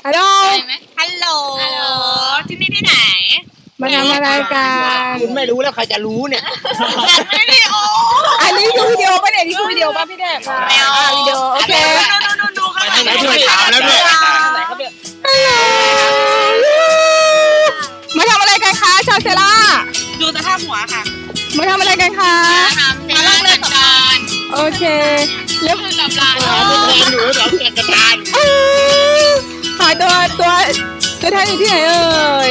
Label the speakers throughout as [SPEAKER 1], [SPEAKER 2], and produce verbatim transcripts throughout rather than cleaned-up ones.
[SPEAKER 1] ฮัลโหล
[SPEAKER 2] ฮัลโหลฮัลโหลที่นี่ที่ไหน
[SPEAKER 1] มาทำอะไรกัน
[SPEAKER 3] คุณไม่รู้แล้วใครจะรู้เนี่ย
[SPEAKER 2] วิดีโอ
[SPEAKER 1] อันนี้ดูวิดีโอป่ะเนี่ยนี่คือวิดีโอป่ะพี่แดก
[SPEAKER 2] ไม่เอา
[SPEAKER 1] วิดีโอโอเค
[SPEAKER 2] ดูข้างหลัง
[SPEAKER 3] ไปด้วยถามแล้วด้วย
[SPEAKER 1] มาทำอะไรกันคะชาวเซล่า
[SPEAKER 2] ดูสภาพหัวค่ะ
[SPEAKER 1] มาทำอะไรกันคะ
[SPEAKER 2] มาล่องเรือกับการ
[SPEAKER 1] โอเคแล้ว
[SPEAKER 2] คือกับลาน
[SPEAKER 3] หนูสองเกียรติการ
[SPEAKER 1] หายตัวตัวตัวแทนอยู่ที่ไหนเอ่ย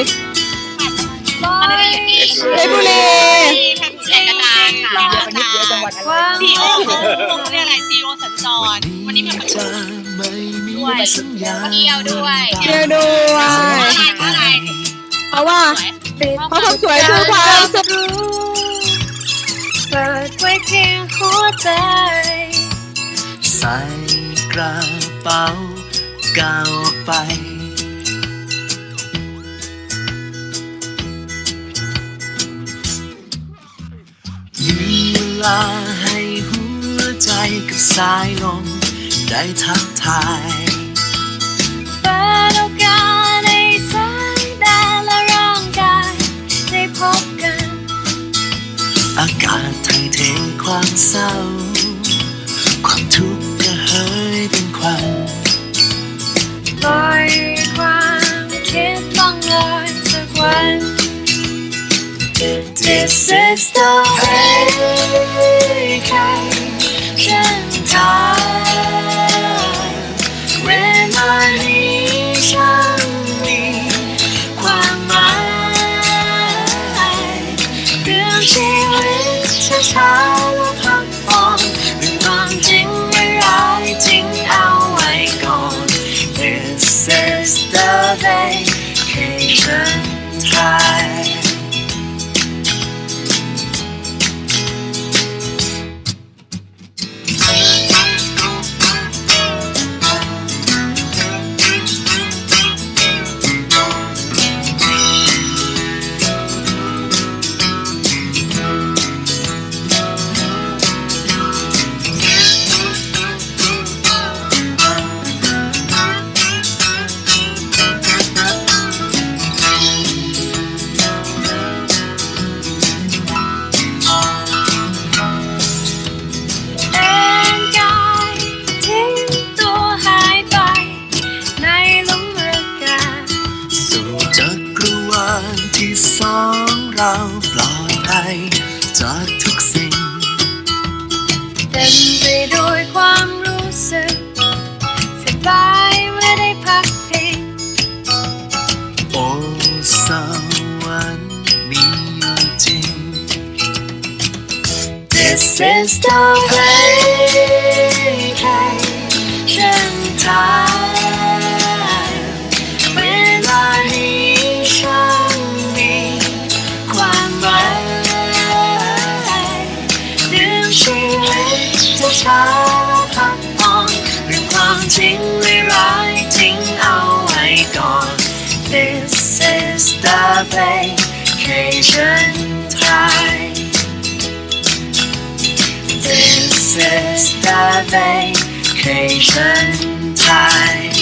[SPEAKER 1] เพชรบุรี
[SPEAKER 2] แผ่นเสียกระดานค่ะจีโอเขาเรียกอะไรจีโอสัญจรวันนี้มีประชุมด้วยเที่ยวด้วย
[SPEAKER 1] เที่ยวด้วย
[SPEAKER 2] อะไร
[SPEAKER 1] เพราะว่าเพราะความสวยคือความสุข
[SPEAKER 4] เปิดไว้เพียงหัวใจใส่กระเป๋าก้าวออกไปมีเวลาให้หัวใจกับสายลมได้ทักทายเปิดโอกาสในสายตาและร่างกายได้พบกันอากาศไทยเทความเศร้าความทุกข์ก็หายเป็นควันปล่อยความคิดล่องลอยสักวัน This is the vacation time เวลานี้ฉันมีความหมายเรื่องชีวิตช้าๆและพักผ่อนเรื่องความจริงไม่ร้ายจริงเอาไว้ก่อน This is the vacation timeที่สองเราปลอดภัยจากทุกสิ่งเต็มไปด้วยความรู้สึกสบายเมื่อได้พักพิงโอ้สวรรค์มีอยู่จริง This is the vacation time เวลานี้ฉันชีวิตจะช้าและพักผ่อนเรื่องความจริงไม่ร้ายทิ้งเอาไว้ก่อน This is the vacation time This is the vacation time